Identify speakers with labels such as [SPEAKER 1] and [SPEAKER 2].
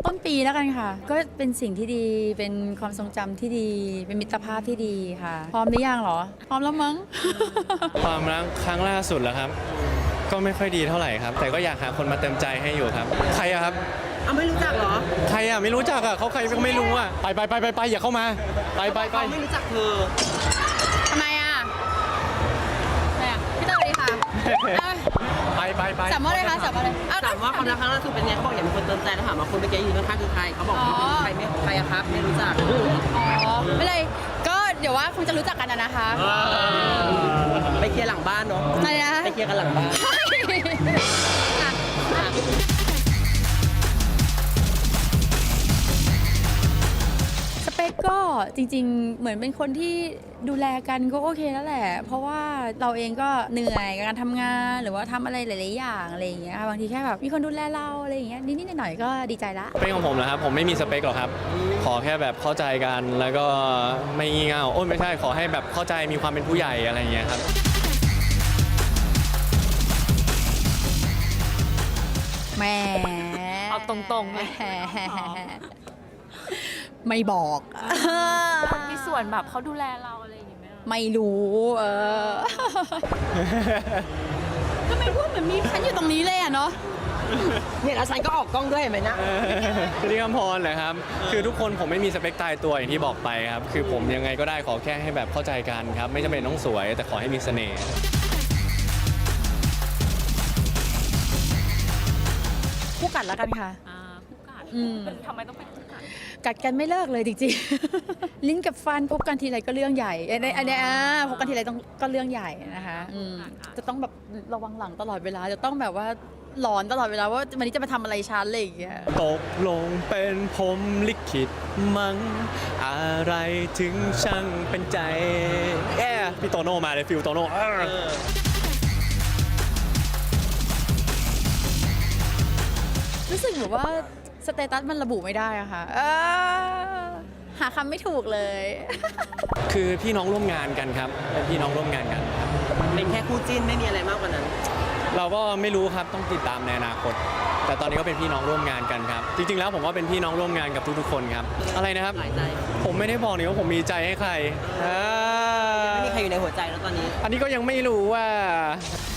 [SPEAKER 1] ต้นปีแล้วกันค่ะก็เป็นสิ่งที่ดีเป็นความทรงจำที่ดีเป็นมิตรภาพที่ดีค่ะพร้อมหรือยังเหรอพร้อมแล้วมั้ง
[SPEAKER 2] ความรักครั้งล่าสุดแล้วครับก็ไม่ค่อยดีเท่าไหร่ครับแต่ก็อยากหาคนมาเติมใจให้อยู่ครับใครอะครับ
[SPEAKER 3] เอาไม่รู้จักเหรอ
[SPEAKER 2] ใครอะไม่รู้จักอะเขาใครก็ไม่รู้อะไปอย่าเข้ามาไป
[SPEAKER 3] เขาไม่รู้จักเธอ
[SPEAKER 1] ทำไมอ่ะอะไรอ่ะพี่เต๋อสวัสดีค่ะ
[SPEAKER 2] ไป
[SPEAKER 1] สัมภาษณ์เลยค่ะสัมภาษณ์เลย
[SPEAKER 3] ถามว่าความรักครั้งล่าสุดเป็นไงเขาบอกอยากมีคนเติมใจแล้วถามว่าคนเมื่อกี้ยืนข้างๆคือใครเขาบอกใครไม่ใครอะครับไม่รู้จัก
[SPEAKER 1] อ๋อไม่เลยก็เดี๋ยวว่าคงจะรู้จักกันนะคะ
[SPEAKER 3] ไปเคลียร์หลังบ้านเนาะ
[SPEAKER 1] อะไรนะ
[SPEAKER 3] ไปเคลียร์กันหลังบ้าน
[SPEAKER 1] สเปคก็จริงๆเหมือนเป็นคนที่ดูแลกันก็โอเคแล้วแหละเพราะว่าเราเองก็เหนื่อยกับการทำงานหรือว่าทำอะไรหลายๆอย่างอะไรอย่างเงี้ยบางทีแค่แบบมีคนดูแลเราอะไรอย่างเงี้ยนิดๆหน่อยๆก็ดีใจละ
[SPEAKER 2] สเปคของผมนะครับผมไม่มีสเปคหรอกครับขอแค่แบบเข้าใจกันแล้วก็ไม่งี่เง่าโอ้ยไม่ใช่ขอให้แบบเข้าใจมีความเป็นผู้ใหญ่อะไรอย่างเงี้ยครับ
[SPEAKER 1] แหม
[SPEAKER 4] เอาตรงๆเลย
[SPEAKER 1] ไม่บอก
[SPEAKER 4] มีส่วนแบบเขาดูแลเราอะไรอย่างเงี้ยไหม
[SPEAKER 1] ไม่รู้ทำไมพูดเหมือนมีฉันอยู่ตรงนี้เลยอะเนาะ
[SPEAKER 3] เนี่ยแล้วฉันก็ออกกล้องด้วยเห็นไหมนะ
[SPEAKER 2] คือที่คำพรเหรอครับคือทุกคนผมไม่มีสเปคตายตัวอย่างที่บอกไปครับคือผมยังไงก็ได้ขอแค่ให้แบบเข้าใจกันครับไม่จำเป็นต้องสวยแต่ขอให้มีเสน่ห์
[SPEAKER 1] คู่กัดแล้วกันค่ะ
[SPEAKER 4] ผู้กัด
[SPEAKER 1] อืม
[SPEAKER 4] ทำไมต้องเป็นผู้กัด
[SPEAKER 1] กัดกันไม่เลิกเลยจริงๆ ลิ้นกับฟันพบกันทีไรก็เรื่องใหญ่อันเนี้ยพบกันทีไรต้องก็เรื่องใหญ่นะคะจะต้องแบบระวังหลังตลอดเวลาจะต้องแบบว่าหลอนตลอดเวลาว่าวันนี้จะมาทำอะไรฉันอะไรอย่างเงี้ย
[SPEAKER 2] ตกลงเป็นผมลิขิตมั้งอะไรถึงช่างเป็นใจพี่โตโน่มาเลยฟิลโตโน่
[SPEAKER 1] รู้สึกแบบว่าสเตตัสมันระบุไม่ได้อะค่ะหาคำไม่ถูกเลย
[SPEAKER 2] คือพี่น้องร่วมงานกันครับเป็นพี่น้องร่วมงานกัน
[SPEAKER 3] เป็นแค่คู่จิ้นไม่มีอะไรมากกว่านั้น
[SPEAKER 2] เราก็ไม่รู้ครับต้องติดตามในอนาคต แต่ตอนนี้ก็เป็นพี่น้องร่วมงานกันครับจริงๆแล้วผมก็เป็นพี่น้องร่วมงานกับทุกๆคนครับอะไรนะครับ
[SPEAKER 3] หลายใจ
[SPEAKER 2] ผมไม่ได้บอกนี่ว่าผมมีใจให้ใคร
[SPEAKER 3] ไม่มีใครอยู่ในหัวใจแล้วตอนนี้
[SPEAKER 2] อันนี้ก็ยังไม่รู้ว่า